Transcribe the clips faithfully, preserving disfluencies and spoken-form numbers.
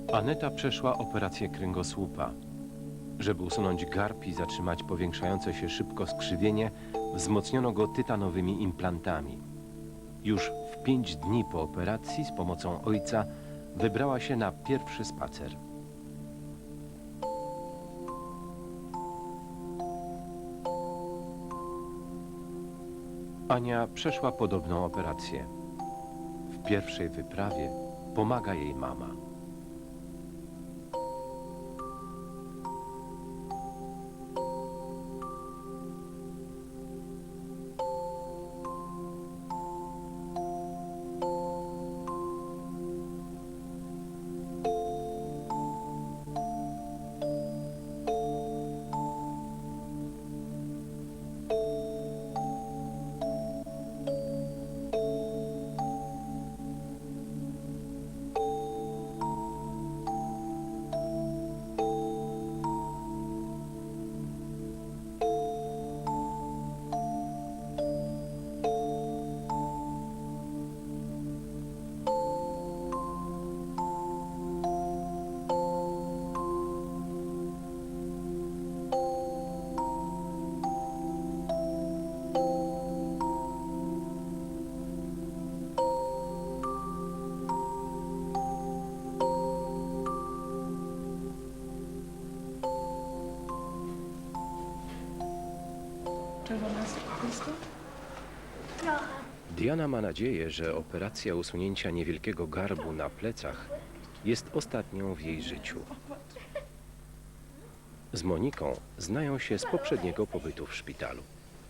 Aneta przeszła operację kręgosłupa. Żeby usunąć garb i zatrzymać powiększające się szybko skrzywienie, wzmocniono go tytanowymi implantami. Już w pięć dni po operacji z pomocą ojca wybrała się na pierwszy spacer. Ania przeszła podobną operację. W pierwszej wyprawie pomaga jej mama. Czerwona jest po prostu? Trochę. Diana ma nadzieję, że operacja usunięcia niewielkiego garbu na plecach jest ostatnią w jej życiu. Z Moniką znają się z poprzedniego pobytu w szpitalu.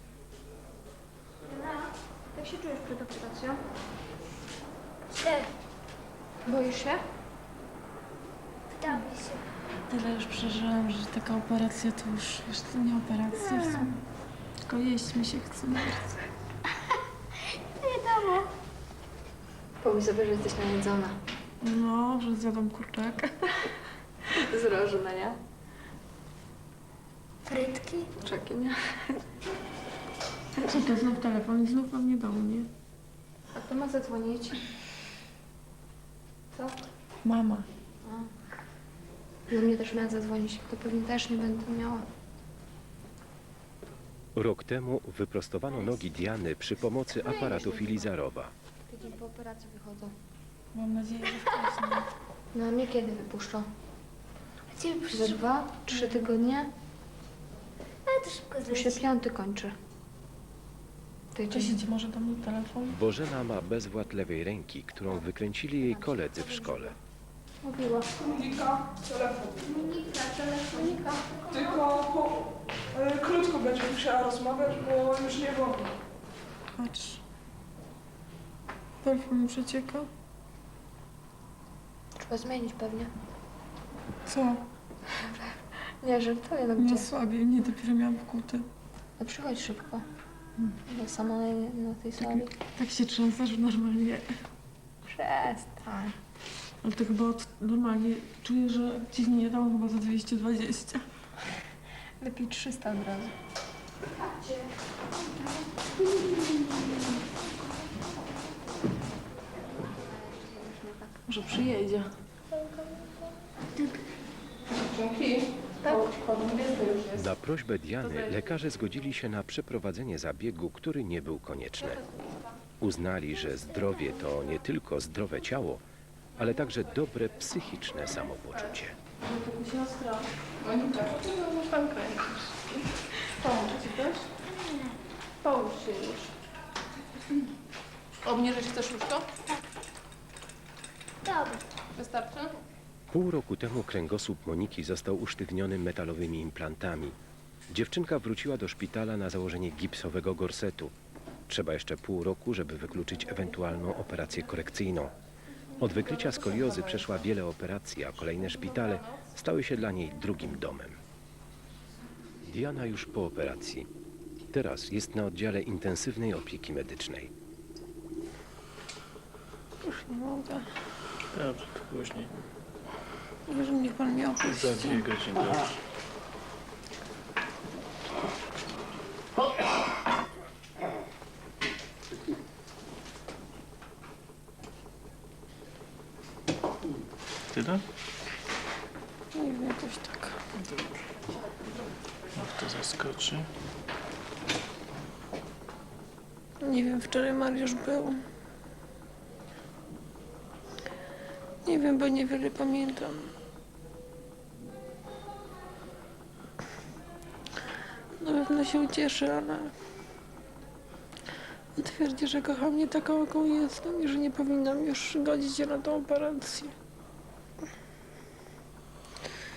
Jak się czujesz przed operacją? Źle. Boisz się? Wdamy się. Tyle już przeżyłam, że taka operacja to już, wiesz, to nie operacja w sumie. Tylko jeść mi się chce bardzo. Wiadomo. Pomyśl sobie, że jesteś najedzona. No, że zjadłam kurczak. Z rożu, no nie? Frytki? Kurczaki, nie? Co to znów telefon? Znów mam nie do mnie. A kto ma zadzwonić? Co? Mama. Do mnie też miała zadzwonić. To pewnie też nie będę miała. Rok temu wyprostowano nogi Diany przy pomocy aparatu Filizarowa. Tydzień po operacji wychodzą. Mam nadzieję, że wcześniej. No a mnie kiedy wypuszczą? A ciebie Za przyszło. dwa, trzy tygodnie? Ale to szybko Tu się zleci. piąty kończy. Czy Tydzień. idzie może do mnie telefon? Bożena ma bezwład lewej ręki, którą wykręcili jej koledzy w szkole. Mówiła. Monika, telefon. Monika, telefonika. Tylko po, e, krótko będzie musiała rozmawiać, bo już nie wolno. Patrz. Telefon mi przecieka. Trzeba zmienić pewnie. Co? Nie, żartuję, no Nie gdzie? słabiej, nie dopiero miałam wkute. No przychodź szybko. Bo sama na, na tej sali. Tak się trzęsę, że normalnie. Przestań. Ale to chyba od, normalnie czuję, że dziwnie nie dałam chyba za dwieście dwadzieścia. Lepiej trzysta od razu. Może przyjedzie. Dzięki. Tak? Na prośbę Diany lekarze zgodzili się na przeprowadzenie zabiegu, który nie był konieczny. Uznali, że zdrowie to nie tylko zdrowe ciało, ale także dobre psychiczne samopoczucie. Siostra. Monika, no pan kręcisz. Pomóż ci też? Połóż się już. Obniżyć chcesz już to? Dobra. Wystarczy? Pół roku temu kręgosłup Moniki został usztywniony metalowymi implantami. Dziewczynka wróciła do szpitala na założenie gipsowego gorsetu. Trzeba jeszcze pół roku, żeby wykluczyć ewentualną operację korekcyjną. Od wykrycia skoliozy przeszła wiele operacji, a kolejne szpitale stały się dla niej drugim domem. Diana już po operacji. Teraz jest na oddziale intensywnej opieki medycznej. Już nie mogę. Dobrze, to później. Mówię, że niech pan mnie opuści. Za dwie godziny. Dobrze. Tyle? Nie wiem, jakoś tak. Dobra. Niech to zaskoczy. Nie wiem, wczoraj Mariusz był. Nie wiem, bo niewiele pamiętam. Na pewno się ucieszy, ale twierdzi, że kocha mnie taką, jaką jestem i że nie powinnam już godzić się na tą operację.